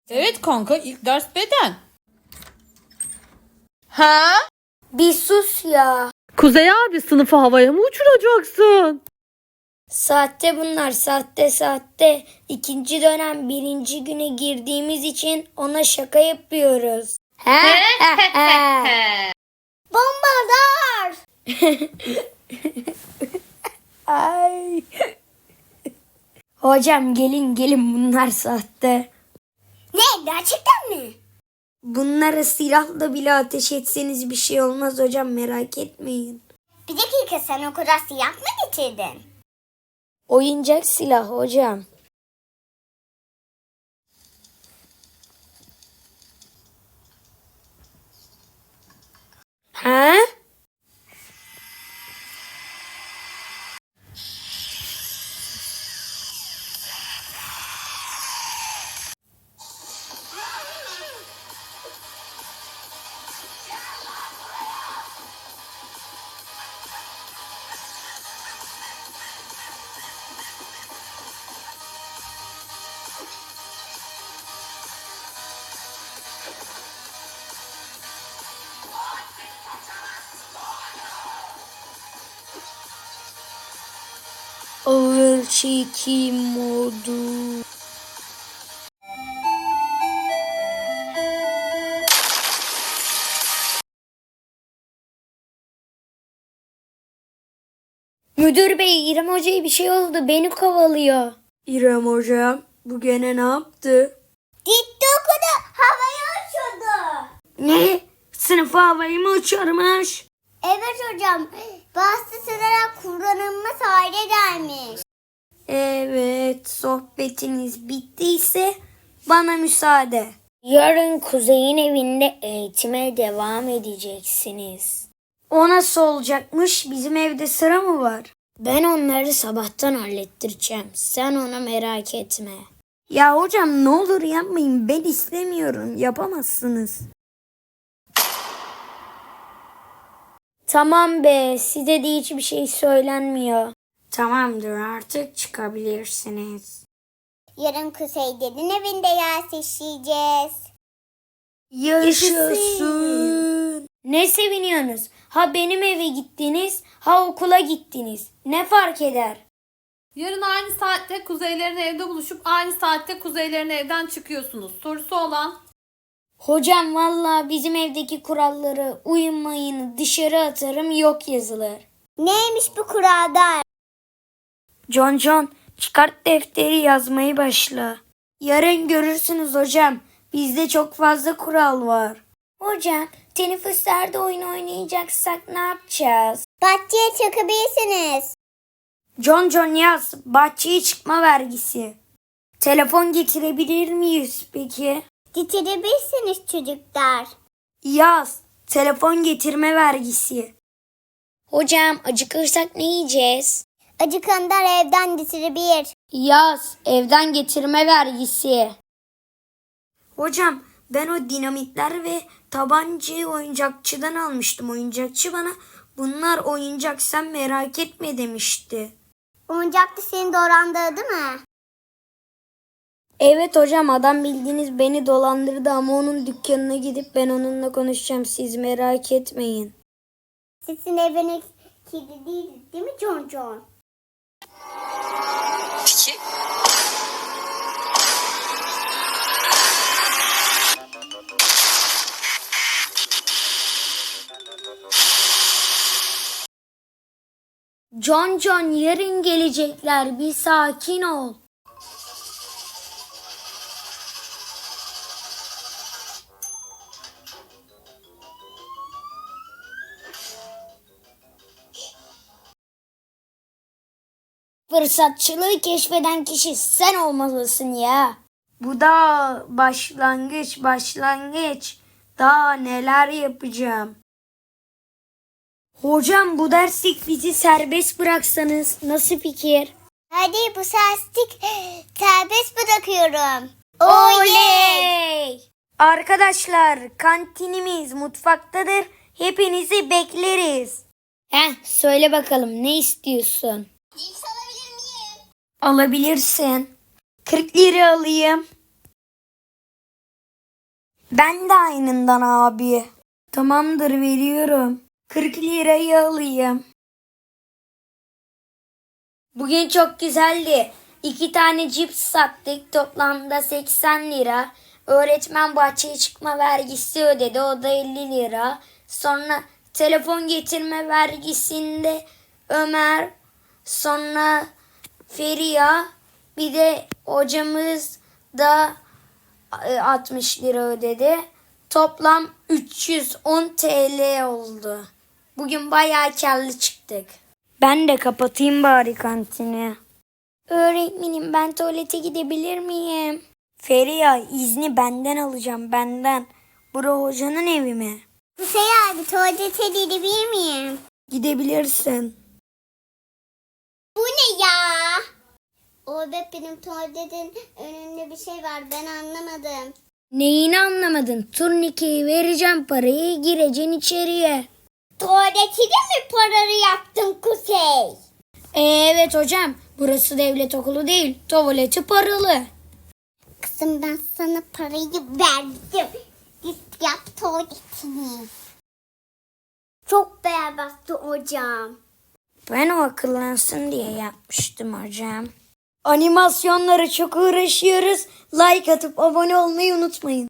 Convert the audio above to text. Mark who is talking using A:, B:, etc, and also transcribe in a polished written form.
A: Evet kanka, ilk ders beden. Ha?
B: Bir sus ya.
C: Kuzey abi, sınıfı havaya mı uçuracaksın?
B: Sahte bunlar, sahte. İkinci dönem birinci güne girdiğimiz için ona şaka yapıyoruz. Bombardar! Ay. Hocam gelin bunlar sahte. Ne, gerçekten mi? Bunlara silahla bile ateş etseniz bir şey olmaz hocam, merak etmeyin.
D: Bir dakika, sen o kadar silah mı getirdin?
B: Oyuncak silah hocam. Ha? Ağır çekim modu. Müdür bey, İrem hocaya bir şey oldu. Beni kovalıyor. İrem hocam bu gene ne yaptı?
D: Gitti okudu, havaya uçurdu.
B: Ne? Sınıfa havayı mı uçurmuş?
D: Evet hocam, bastırarak kullanılmaz hale gelmiş.
B: Evet, sohbetiniz bittiyse bana müsaade. Yarın Kuzey'in evinde eğitime devam edeceksiniz. O nasıl olacakmış? Bizim evde sıra mı var? Ben onları sabahtan hallettireceğim. Sen ona merak etme. Ya hocam ne olur yapmayın. Ben istemiyorum. Yapamazsınız. Tamam be. Size de hiçbir şey söylenmiyor. Tamamdır, artık çıkabilirsiniz.
D: Yarın Kuzey'lerin evinde yer işleyeceğiz.
B: Yaşasın. Ne seviniyorsunuz? Ha benim eve gittiniz, ha okula gittiniz. Ne fark eder?
A: Yarın aynı saatte kuzeylerin evde buluşup aynı saatte kuzeylerin evden çıkıyorsunuz. Sorusu olan?
B: Hocam vallahi bizim evdeki kuralları uyumayın, dışarı atarım yok yazılır.
D: Neymiş bu kurada?
B: John çıkart defteri, yazmayı başla. Yarın görürsünüz hocam. Bizde çok fazla kural var. Hocam teneffüslerde oyun oynayacaksak ne yapacağız?
D: Bahçeye çıkabilirsiniz.
B: John yaz. Bahçeye çıkma vergisi. Telefon getirebilir miyiz peki?
D: Getirebilirsiniz çocuklar.
B: Yaz. Telefon getirme vergisi. Hocam acıkırsak ne yiyeceğiz?
D: Acıkanlar evden getirebilir.
B: Yaz. Evden getirme vergisi. Hocam ben o dinamitler ve tabancayı oyuncakçıdan almıştım. Oyuncakçı bana bunlar oyuncak, sen merak etme demişti.
D: Oyuncaklı seni dolandırdı değil mi?
B: Evet hocam, adam bildiğiniz beni dolandırdı ama onun dükkanına gidip ben onunla konuşacağım, siz merak etmeyin.
D: Sizin eviniz kilitli değil mi John?
E: Peki.
B: John yarın gelecekler, bir sakin ol. Fırsatçılığı keşfeden kişi sen olmalısın ya. Bu da başlangıç. Daha neler yapacağım. Hocam bu derslik bizi serbest bıraksanız nasıl fikir?
D: Hadi bu serstik serbest bırakıyorum.
B: Oley! Arkadaşlar kantinimiz mutfaktadır. Hepinizi bekleriz. Söyle bakalım ne istiyorsun?
D: Cips alabilir miyim?
B: Alabilirsin. 40 lira alayım. Ben de aynından abi. Tamamdır, veriyorum. 40 lirayı alayım. Bugün çok güzeldi. 2 tane cips sattık. Toplamda 80 lira. Öğretmen bahçeye çıkma vergisi ödedi. O da 50 lira. Sonra telefon getirme vergisinde Ömer, sonra Feriha, bir de hocamız da 60 lira ödedi. Toplam 310 TL oldu. Bugün bayağı karlı çıktık. Ben de kapatayım bari kantini. Öğretmenim, ben tuvalete gidebilir miyim? Feriha, izni benden alacağım, benden. Bura hocanın evi mi?
D: Kuzey abi tuvalete gidebilir miyim?
B: Gidebilirsin.
D: Bu ne ya? Benim tuvaletin önünde bir şey var, ben anlamadım.
B: Neyini anlamadın? Turnikeyi vereceğim, parayı, gireceksin içeriye.
D: Tuvaleti de mi paralı yaptın Kuzey?
B: Evet hocam, burası devlet okulu değil, tuvaleti paralı.
D: Kızım ben sana parayı verdim. Git yap tuvaletini. Çok berbattı hocam.
B: Ben o akıllansın diye yapmıştım hocam. Animasyonlara çok uğraşıyoruz. Like atıp abone olmayı unutmayın.